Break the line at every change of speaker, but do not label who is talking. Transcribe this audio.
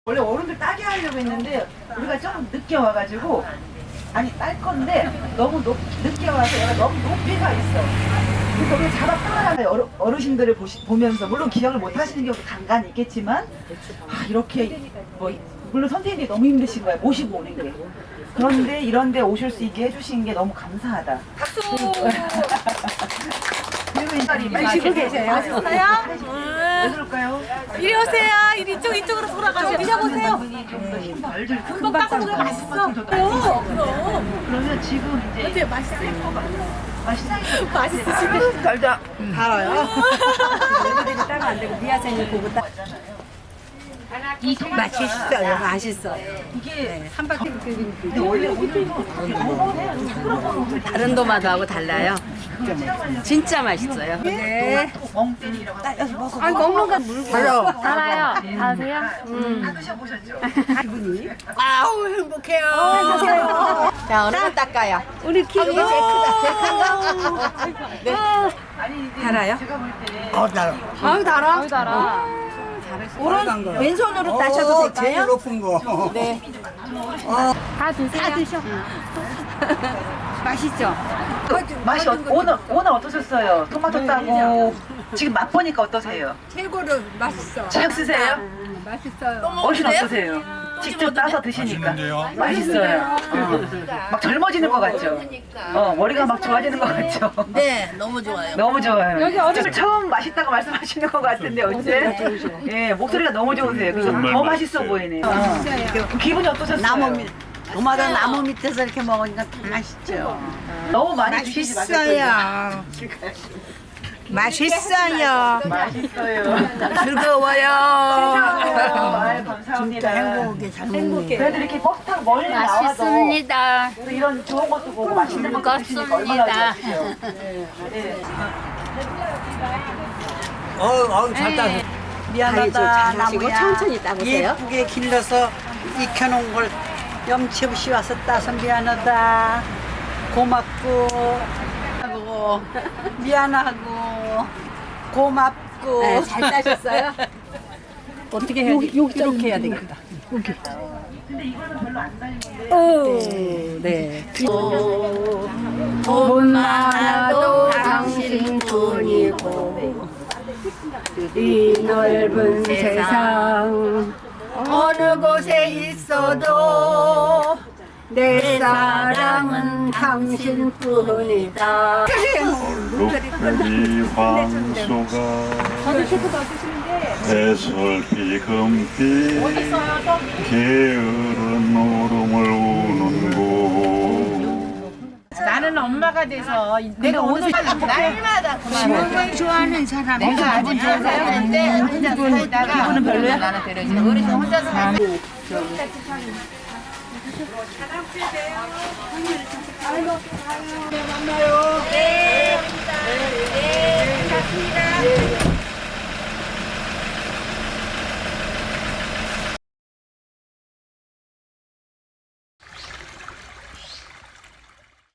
원래 어른들 따게 하려고 했는데 우리가 좀 늦게 와가지고 아니 딸 건데 너무 늦게 와서 얘가 너무 높이가 있어. 그래서 우리 잡아 끌어가면 어르신들을 보면서 물론 기억을 못 하시는 경우도 간간히 있겠지만 이렇게 뭐 물론 선생님들이 너무 힘드신 거야 모시고 오는 게. 그런데 이런데 오실 수 있게 해주신 게 너무 감사하다. 박수. 그리고 이 마시고 계세요.
맛있어요?
왜 그럴까요?
이리 오세요. 이쪽으로 돌아가세요. 드셔보세요. 금방 닦아도 맛있어. 그럼.
그러면 지금 이제
어때요? 맛있어요?
맛있어요.
맛있으시고.
달다. 달아요?
애들이 따면 안 되고 미아생이 보고 따. 맛있어요. 맛있어요.
이게
한 바퀴
근데 원래 오늘도
다른 도마도하고 달라요. 진짜 맛있어요. 네.
멍때리라고 하거든요.
아 먹는 건 물.
달아요. 다세요?
다 드셔보셨죠?
아우 행복해요. 자 어느 거 닦아요? 우리 키가 제일 크다. 네.
아니 이제
달아요?
제가 볼때
아우 달아.
아유, 달아.
오른 왼손으로 따셔도 될까요?
제일 높은 거.
네.
다 드세요.
다 드셔. 맛있죠?
맛이 오늘 어떠셨어요? 토마토 따고 지금 맛보니까 어떠세요?
최고로 맛있어.
잘 쓰세요?
맛있어요.
어르신 어떠세요? 직접 따서 드시니까
맛있는데요?
맛있어요. 막 젊어지는 것 같죠? 머리가 막 좋아지는 것 같죠?
네, 너무 좋아요.
너무 좋아요. 여기 어르신 처음 맛있다고 말씀하시는 것 같은데 어째? 예, 목소리가 너무 좋으세요. 그래서
정말
더 맛있어
맛있어요.
보이네요. 기분이 어떠셨어요?
도마도 나무 밑에서 이렇게 먹으니까 다 맛있죠.
너무 많이 주시지 마세요.
맛있어요.
맛있어요.
즐거워요.
아유, 감사합니다.
행복하게 잘 먹는
그래도 이렇게 버스 타고 멀리 나와도
맛있습니다.
또 이런 좋은 것도 보고 맛있는 것도 드시니까 얼마나 좋으세요.
잘 따서.
미안하다 나무야.
천천히 따보세요.
예쁘게 길러서 익혀놓은 걸 염치 없이 와서 따서 미안하다. 고맙고 하고 미안하고 고맙고.
네, 잘 따셨어요? 어떻게 해야 돼? 이렇게 해야 되겠다.
근데 이거는 별로 안 달린 건데.
네.
돈 많아도 당신뿐이고 이 넓은 세상 어느 곳에 있어도 내 사랑은 당신뿐이다.
녹색이 황소가 해설비 금빛 게으른 울음을 우는 곳
나는 엄마가 돼서 내가 오늘 날마다 정말 좋아하는 사람 내가 아주 좋은 사람인데 혼자 살다가 기분은 별로야? 나는 데려지 어르신 혼자 살고
만나요.
네, 감사합니다.